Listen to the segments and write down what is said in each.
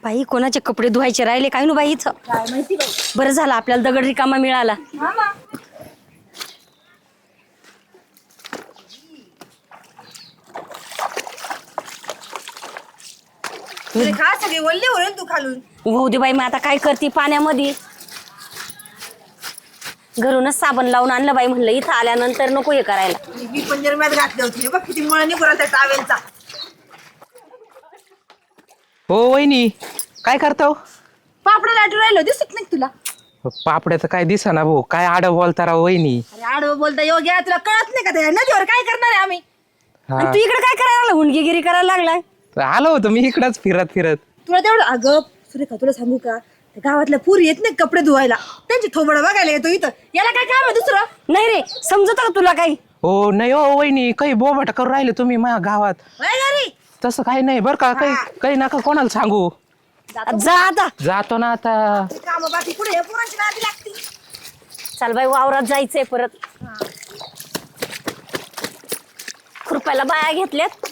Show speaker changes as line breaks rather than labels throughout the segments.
बाई कोणाचे कपडे धुवायचे राहिले काय नु बाई इथं.
काय माहिती बाई.
बरं झालं आपल्याला दगड रिकामा मिळाला.
हा ना. तुझे खा सगळे वल्ले होईल तू खालून.
होऊ दे बाई, मग आता काय करते पाण्यामध्ये. घरूनच साबण लावून आणलं बाई, म्हणलं इथं आल्यानंतर नको हे करायला.
मी पण जरम्यात घातले होते बघ किती मुळा निघून त्या टावेलचा.
हो वहिनी, काय करता हो?
पापडा लाटू राहिलो दिसत नाही तुला.
पापड्याचं काय दिसा भाऊ, काय आड बोलता राव वहिनी.
अरे आडवं बोलता योग्य तुला कळत नाही का? त्या नदीवर काय करणार आहे आम्ही?
आणि तू इकडे काय करायला लागला? हुंडगीगिरी करायला लागलाय.
आलो होतो मी इकडंच फिरत
तुला तेवढं अगं सुरेखा तुला सांगू का, त्या गावातल्या पुरी येत नाही कपडे धुवायला, त्यांची थोबड बघायला येतो इथं. याला काय काम आहे दुसरं?
नाही रे, समजत का तुला काही?
हो नाही हो वहिनी, काही बोबाटा करून राहिले तुम्ही माझ्या गावात.
वय घरी
तसं काही नाही बरं का, काही काही नका कोणाला सांगू.
जा आता.
जातो ना आता.
काम बाकी पुढे या पोरांची नादी लागती.
चल बाई, वावरात जायचंय परत. खुरपायला बाया घेतल्यात.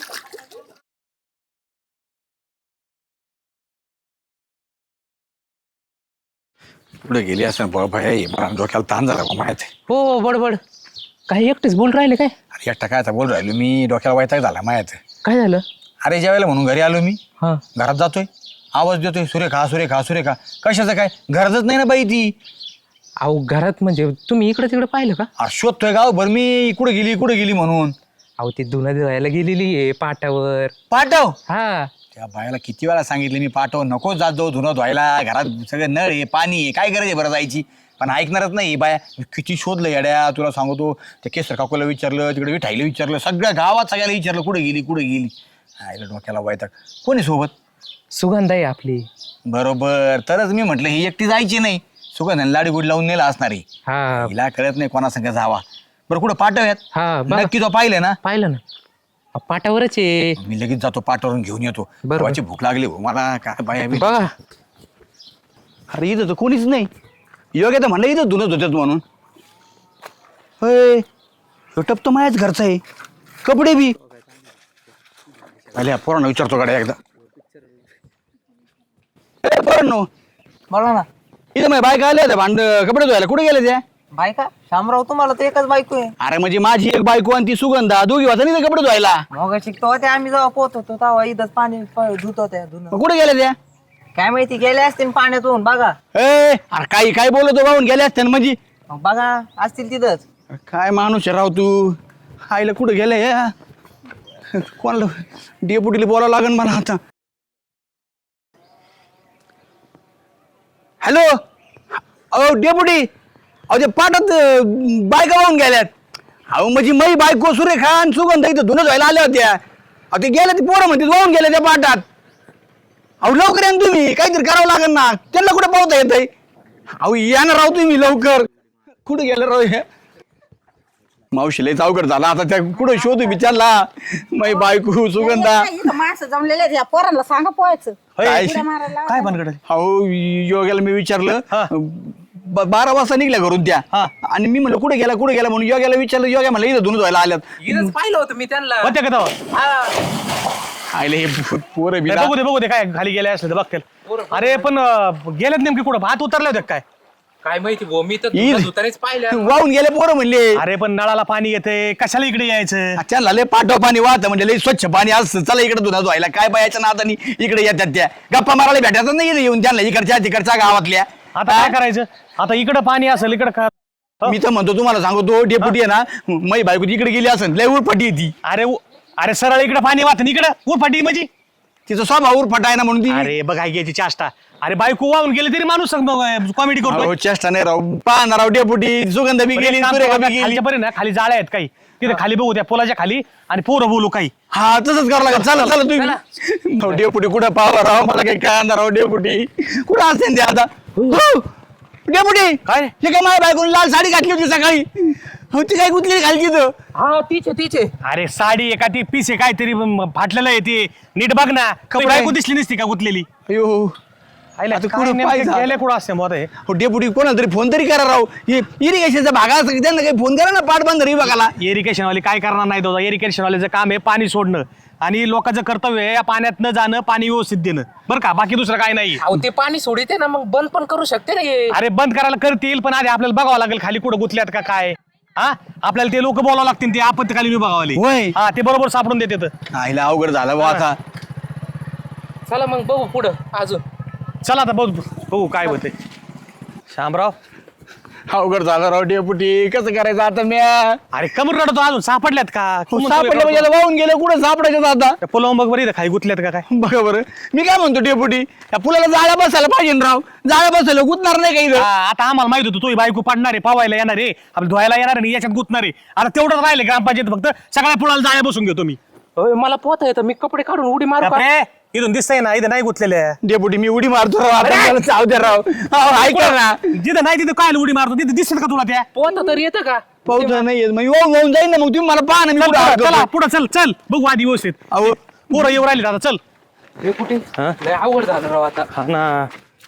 पुढे गेली असं बाबा मला डोक्याला ताण झाला बा माहिती.
हो बडबड, काही एकटेच बोल राहिले काय?
अरे एकटा काय आता बोल राहिलो मी, डोक्याला वैताग झाला माहिती.
काय झालं?
अरे ज्या वेळेला म्हणून घरी आलो मी,
हा
घरात जातोय, आवाज देतोय सुरेखा सुरेखा सुरेखा. कशाचं काय? घरातच नाही ना बाई ती.
अहो घरात म्हणजे तुम्ही इकडे तिकडे पाहिलं का?
शोधतोय गाव भर मी, कुठे गेली म्हणून.
अहो ती धुणं धुवायला गेलेली आहे पाटावर.
पाठव.
हा
त्या बायाला किती वेळा सांगितले मी, पाठव नको जात जाऊ धुणं धुवायला, घरात सगळं नळ आहे पाणी आहे, काय गरज आहे बरं जायची. पण ऐकणारच नाही बाया. किती शोधलं येड्या तुला सांगतो. त्या केसर काकूला विचारलं, तिकडे विठाईला विचारलं, सगळ्या गावात सगळ्याला विचारलं कुठे गेली. आईला डोक्याला वैताग. कोणी सोबत?
सुगंध आहे आपली.
बरोबर, तरच मी म्हटलं ही एकटी जायची नाही, सुगंधाने लाडी गुडी लावून नेला असणार आहे.
हा
हिला कळत नाही कोणा संग जावा. बरं कुठं पाठवूयात?
हा बघा.
नक्की तो पाहिलं ना?
पाहिलं ना, पाटावरच आहे.
मी लगेच जातो पाठवरून घेऊन येतो.
बरोबर.
देवाची भूक लागली हो मला, काय बाया बी.
बघा
अरे इथं तर कोणीच नाही. योग्य तर म्हणलं इथं धुनत होत्यात म्हणून. होय, टप तर माझ्याच घरचा आहे, कपडे बी. अरे पोरांना विचारतो गाड्या एकदा. पोरांनो,
बोला ना.
इथं माझ्या बायका आल्या त्या भांड कपडे धुवायला, कुठे गेले त्या?
बायका शामराव, तुम्हाला तर एकच बायको आहे.
अरे म्हणजे माझी एक बायको आणि ती सुगंधा, दोघी वाजता नाही कपडे धुवायला.
मग शिकतो ते आम्ही जेव्हा पोहत होतो तेव्हा इथंच पाणी धुत होत्या धुणं.
मग कुठे गेले त्या?
काय माहिती गेले असतील पाण्यातून. बघा
अरे काही काय बोलतो बाहून गेले असते ना म्हणजे.
मग बघा असतील तिथंच.
काय माणूस आहे राव तू. आईला कुठं गेले कोणाला डेपुटीला बोलावं लागेल मला आता. हॅलो, अहो डेपुटी, अहो ते पाठात बायका वाहून गेल्यात. अहो म्हणजे मै बायको सुरेखा आणि सुगंधा इथं धुणं धुवायला आल्या होत्या. अहो ते गेल्या, ते पोरं म्हणते वाहून गेल्या त्या पाठात. अहो लवकर या ना तुम्ही, काहीतरी करावं लागेल ना. त्यांना कुठं पावता येत आहे? अहो या ना राव तुम्ही लवकर. कुठं गेलं राव हे? मावशी लय अवघड झाला आता. त्या कुठं शोधू विचारला मै बायको सुगंधा.
इथं माणसं जमलेले आहेत, या पोरांना सांगा पोहायचं.
काय
उड्या मारायला.
काय बनकड? अहो योग्याला मी विचारलं, 12 वाजता निघल्या घरून त्या. आणि मी म्हणलं कुठे गेला म्हणून योग्याला विचारलं. योग्या म्हणलं इथं धुणं धुवायला आल्यात.
इथंच पाहिलं होतं मी त्यांना.
होते का तेव्हा?
आयले हे पोरं बिला.
बघू दे काय खाली गेले असले तर बघतील. अरे पण गेलेत नेमके कुठं? भात उतरले होते काय?
काय माहिती भाऊ, मी तर धुतानाच पाहिलं.
वाहून गेले पोरं म्हणले.
अरे पण नळाला पाणी येते, कशाला इकडे यायचं?
त्यांना लय पाठव पाणी वाहतं म्हणजे लय स्वच्छ पाणी असतं. चला इकडे धुणं धुवायला. काय बायाच्या नादानी इकडे येतात त्या. गप्पा मारायला भेटायचं नाही इकडे येऊन त्यांना, इकडच्या तिकडच्या गावातल्या.
आता काय करायचं? आता इकडं पाणी असेल, इकडं
मी तर म्हणतो तुम्हाला सांगतो, डेपुटी आहे ना, मै बायको तिकडे गेली असेल, लय उरफाटी आहे ती.
अरे सरळ इकडे पाणी वाहत, इकडं उरफाटी म्हणजे
तिचा स्वभाव उरफाट आहे ना म्हणून ती.
अरे बघ काय घ्यायची चाष्टा. अरे बायको वाहून गेली तरी माणूस कॉमेडी करतो.
अहो, चेष्टा नाही राव. पाहणार राव डेपुटी, सुगंध बी गेली, सुरेखा बी गेली.
खालच्या पर्यंत ना खाली जाळ्या आहेत काही, तिथे खाली बघू त्या पुलाच्या खाली आणि पोरं बोलू काही.
हा तसंच करावं लागेल. चला चला तुम्ही. डेपुटी कुठं पाहावं राव, मला काही कळणार राव. डेपुटी कुठं असते ते आता? डेपुटी
काय?
हे काय माझ्या बायकोने लाल साडी घातली होती सकाळी. हो ती काय गुतली खाली तिथं.
हा तिचे
अरे साडी एका ती पीस आहे काहीतरी फाटलेलं आहे ते नीट बघ ना.
कपडे.
बायको दिसली नसती का गुतलेली?
अयो
आईला
आता
काय
कुठं
नेमकं
पाहायचं?
गेले कुठं असते मग हे?
हो डेपुटी कोणाला तरी फोन तरी करा राव इरिगेशनचा भाग असं त्यांना काही फोन करा ना पाटबंधारे विभागाला.
इरिगेशन वाले काय करणार नाही दादा. इरिगेशन वाल्याचं काम आहे पाणी सोडणं आणि लोकांचं कर्तव्य आहे या पाण्यात न जाणं, पाणी व्यवस्थित देणं, बरं का. बाकी दुसरं काय नाही.
अहो ते पाणी सोडिते ना, मग बंद पण करू शकते ना हे.
अरे बंद करायला करतील, पण आधी आपल्याला बघावं लागेल खाली कुठं गुतल्यात का काय. हा आपल्याला ते लोक बोलावं लागतील, ते आपत्काली विभागावाले.
होय.
हा ते बरोबर सापडून देते.
आईला अवघड झालं बा आता.
चला मग बघू पुढं अजून.
चला आता बघू काय होते. शामराव
अवघड झालं राव डेपुटी कसं करायचं आता म्या.
अरे कमर रडतो अजून सापडल्यात का?
सापडलं म्हणजे याला वाहून गेलं कुठं सापडायचं आता.
पुलावून बघ बरी खाली गुतल्यात का काय.
बघा बरं मी काय म्हणतो डेपुटी या पुलाला जाळ्या बसायला पाहिजे ना राव. जाळ्या बसायला गुतणार नाही काही.
आता आम्हाला माहित होतं तू बायको पाडणार आहे, पावायला येणार आहे, आपलं धुवायला येणार आहे, याच्यात गुतणार आहे. आता तेवढंच राहिले ग्रामपंचायत फक्त. सगळ्या पुलाला जाळ्या बसून घेतो मी.
होय, मला पोहता येतं, मी कपडे काढून उडी मारू का?
बापरे, इथून दिसतंय ना, इथं नाही गुतलेले.
डेपुटी मी उडी मारतो राव आता मला चाव द्या राव. अहो, ऐका ना
जिथं नाही तिथं काय उडी मारतो, तिथं दिसत का तुला त्या?
पोहता तर येतं का?
पाऊस नाही येत मग वाहून जाईन ना मग तुम्ही मला पाहा ना मी
चल,
कुठं
चला,
अडकतो.
चला पुढं चल चल बघू आधी व्यवस्थित.
अहो
पोरं येऊ राहिले आता. चल.
हे कुठे लय अवघड झालं राव आता.
हा ना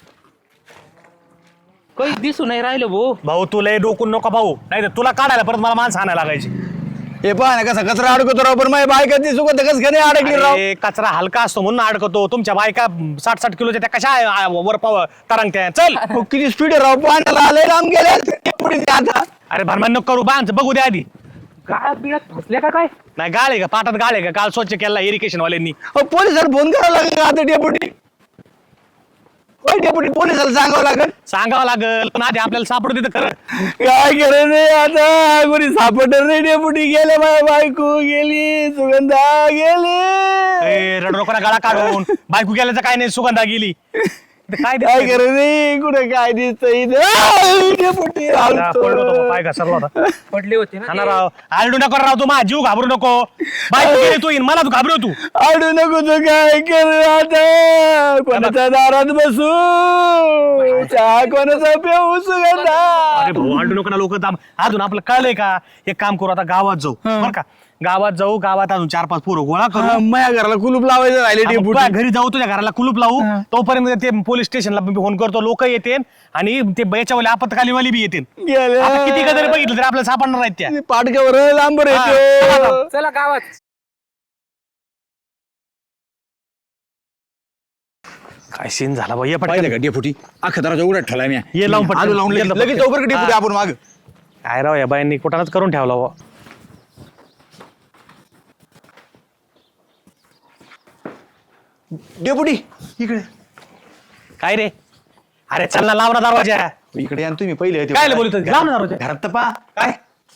काही दिसू नाही राहिलं भाऊ.
भाऊ तुला हे डोकून नको भाऊ, नाही तर तुला काढायला परत मला माणसं आणायला लागायची.
हे पहा ना कसा कचरा अडकतो राव. पण माझ्या बायका ती सुगंध कसं नाही अडकली राव.
अरे, कचरा हलका असतो म्हणून अडकतो. तुमच्या बायका 60-60 किलोच्या त्या कशा वर पाव तरंगत्या. चल.
अहो, किती स्पीड राव पाण्याला आले राम गेले डेपुटी ते आता.
अरे भरमान नको करू, बांध बघू दे आधी.
गाळात बिळात फसल्या का काय?
नाही गाळ आहे का पाटात, गाळ आहे का? काल स्वच्छ केला इरिगेशन वाल्यांनी.
अहो, पोलिसाला फोन करावा लागेल का आता डेपुटी. होय डेपुटी पोलिसाला सांगावं लागेल.
सांगावं लागल, पण आधी आपल्याला सापडू देतं खरं.
काय करे नाही आता कोणी सापडणार नाही डेपुटी. गेले माझ्या बायको गेली सुगंधा गेली.
ए, रडरोकाला गाळा काढून बायको गेल्याचं काय नाही, सुगंधा गेली. इथं काय
काय
दिसतंय?
करे नाही कुठे काय दिसतंय डेपुटी.
आता पडलो होतो, पाय घसरला होता.
पडले होते ना
खाना
ते.
राव, आरडू नको राव, तू माझा जीव घाबरू नको. बायको गेली तू येईन, मला तू घाबरू तू.
आडू नको तू काय कर आता. कोणाच्या दारात बसू चहा कोणाचा पिऊ सुगंधा.
अरे भाऊ आरडू नको ना, लोक अजून आपलं कळलंय का? एक काम करू आता, गावात जाऊ बरं का. गावात जाऊ, गावात अजून 4-5 पोरं गोळा करू.
हा, माझ्या घराला कुलूप लावायचं राहिले
आपण
डेपुटी.
तुझ्या घरी जाऊ, तुझ्या घराला कुलूप लावू. तोपर्यंत ते पोलीस स्टेशनला फोन करतो, लोक येतील आणि ते याच्यावाले आपत्कालीवाली बी येतील.
गेल्या.
आता किती का जरी बघितलं तरी आपल्याला सापडणार आहेत त्या.
पाटक्यावर लांबर
हा,
येतो.
चला गावात.
काय सीन झाला बाई.
पाहिलं का डेपुटी अख्खा दराचा उघडा ठेवला मी.
ये लावून पटकन.
आलू लावून
ये
लगेच
पटकन.
लगेच जाऊ बरं का डेपुटी
हा.
आपण माग.
काय राव या बायांनी कुठानच करून ठेवला बुवा.
डेपुटी इकडे
काय रे? अरे चल ना, लाव ना दरवाजा.
इकडे या ना तुम्ही पहिले ते.
काय बोलतोय? लाव ना दरवाजा.
घरात तर पहा काय.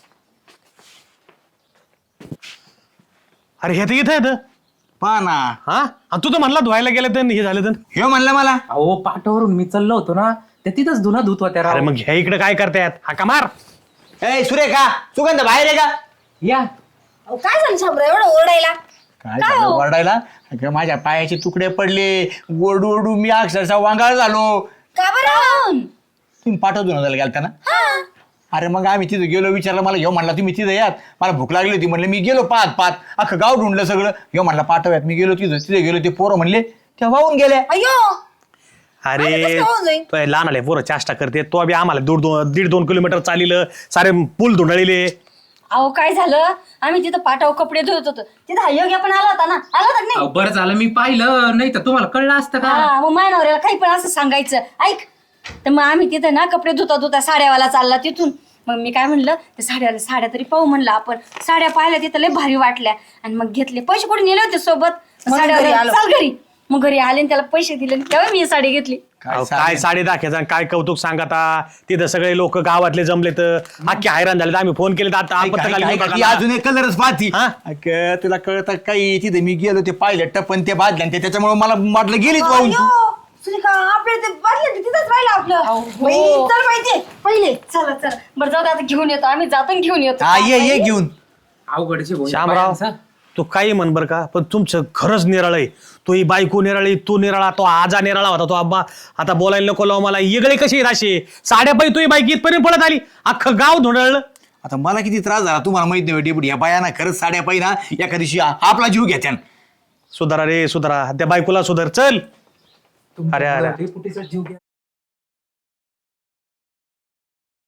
अरे हे तर इथं येतं.
पहा ना
हा आणि तू तर म्हणला धुवायला गेलं तर हे झालं तर.
हे म्हणलं मला.
अहो पाटावरून मी चाललो होतो ना, त्या तिथंच धुना धुत होत्या
अरे
राव.
मग ह्या इकडे काय करतायत? हाका मार.
ए सुरेखा सुगंध बाहेर आहे का.
या
अहो, काय झालं शामराव एवढं ओरडायला?
काय झालं वरडायला. अगं, माझ्या पायाचे तुकडे पडले ओरडू ओरडू मी अक्षरशः वांगाळ झालो.
का बरं?
तुम्ही पाठवतो ना गेलता ना. अरे मग आम्ही तिथे गेलो, विचारलं मला घेऊ म्हणला तुम्ही तिथे यात. मला भूक लागली होती म्हणलं मी गेलो पाहत अख्खं गाव ढूंढलं सगळं. घेऊ म्हणला पाठवयात. मी गेलो तिथे गेलो ते पोरं म्हणले त्या वाहून गेल्या.
अयो
अरे
कसं काय होऊन जाईल?
तो लहान आले पोरं चाष्टा करते. तो बी आम्हाला 1.5-2 किलोमीटर चालिलं, सारे पूल धुंडळले.
अहो काय झालं, आम्ही तिथं पाटावर कपडे धुत होतो, तिथं हा योग्य पण आला होता ना, आला होता की
अहो,
नाही?
बरं झालं मी पाहिलं, नाही तर तुम्हाला कळलं असतं का?
हा मग माझ्या नवऱ्याला काही पण असं सांगायचं. ऐक, तर मग आम्ही तिथं ना कपडे धुता साड्यावाला चालला तिथून. मग मी काय म्हणलं, ते साड्या तरी पाहू म्हणलं आपण. साड्या पाहिल्या तिथं लय भारी वाटल्या आणि मग घेतले. पैसे कुठे नेले होते सोबत,
म्हणून घरी आलो.
चाल घरी. मग घरी आले आणि त्याला पैसे दिले आणि तेव्हा मी ही साडी घेतली.
काय साडे दाखवायचं आणि काय कौतुक सांगता. तिथं सगळे लोक गावातले जमले तर अख्खे हैराण झाले. आम्ही फोन केले तर आता आपत्कालीन
ती
विभागाला.
अजून एक कलरच पाहती.
हा?
अगं, तुला कळत काही तिथे मी गेलो ते पाहिलं टपन ते बादल्या ते त्याच्यामुळे मला वाटलं गेलीच वाहून तू.
अयो, सुरेखा आपल्या ते बादल्या ते तिथंच राहिलं आपलं. बाई, चल माहितीये पहिले.
चला चला बरं जाऊ दे, आता घेऊन येतो आम्ही, जातो आणि घेऊन येतो.
हा ये घेऊन.
अवघडचे भाऊ,
श्यामराव
बायांचं.
तू काही म्हण बर का, पण तुमचं खरंच निराळ आहे. तो ही बायको निराळी, तू निराळा, तो आजा निराळा होता. तो आब्बा आता बोलायला नको लाव मला. येगळे कशी आहेत असे साड्या पायी तुही बाईक इथपर्यंत पळत आली, अख्खं गाव धुंडळलं.
आता मला किती त्रास झाला तुम्हाला माहित नाही डेपुटी. या बायाना खरंच साड्या पाहिजे ना एका दिवशी आपला जीव घेत्यान.
सुधारा रे सुधारा, त्या बायकोला सुधार. चल
अरे अरे
डेपुटीचा जीव घ्या